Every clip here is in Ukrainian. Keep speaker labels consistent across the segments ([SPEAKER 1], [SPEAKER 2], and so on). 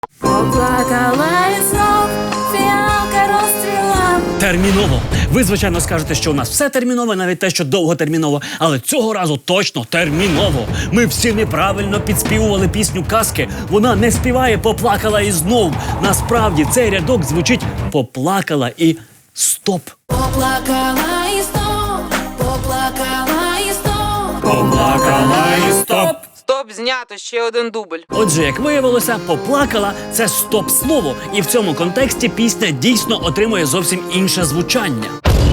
[SPEAKER 1] Поплакала і знов фіалка розцвіла.
[SPEAKER 2] Терміново. Ви, звичайно, скажете, що у нас все терміново, навіть те, що довготерміново. Але цього разу точно терміново. Ми всі неправильно підспівували пісню казки. Вона не співає «поплакала і знов». Насправді цей рядок звучить «поплакала і стоп».
[SPEAKER 1] Поплакала і знов, поплакала і знов.
[SPEAKER 2] Поплакала і стоп.
[SPEAKER 3] Стоп, знято, ще один дубль.
[SPEAKER 2] Отже, як виявилося, «поплакала» – це стоп-слово. І в цьому контексті пісня дійсно отримує зовсім інше звучання.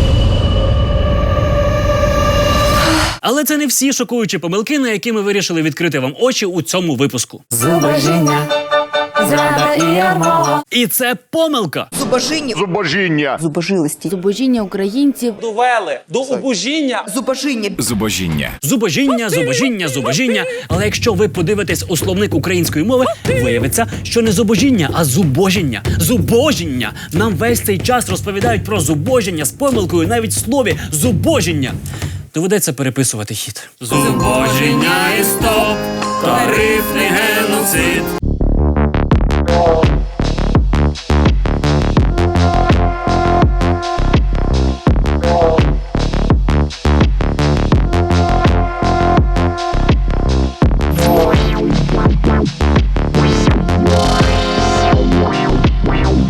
[SPEAKER 2] Але це не всі шокуючі помилки, на які ми вирішили відкрити вам очі у цьому випуску.
[SPEAKER 1] Зубожіння, зрада і ярмо.
[SPEAKER 2] І це помилка.
[SPEAKER 4] Зубожіння.
[SPEAKER 5] Зубожилості.
[SPEAKER 6] Зубожіння українців.
[SPEAKER 7] Довели до убожіння.
[SPEAKER 5] Зубожіння.
[SPEAKER 4] Зубожіння.
[SPEAKER 2] Зубожіння, зубожіння, зубожіння. Але якщо ви подивитесь у словник української мови, виявиться, що не зубожіння, а зубожіння. Зубожіння. Нам весь цей час розповідають про зубожіння з помилкою навіть в слові зубожіння. Доведеться переписувати хід. Зубожіння і стоп, тарифний геноцид.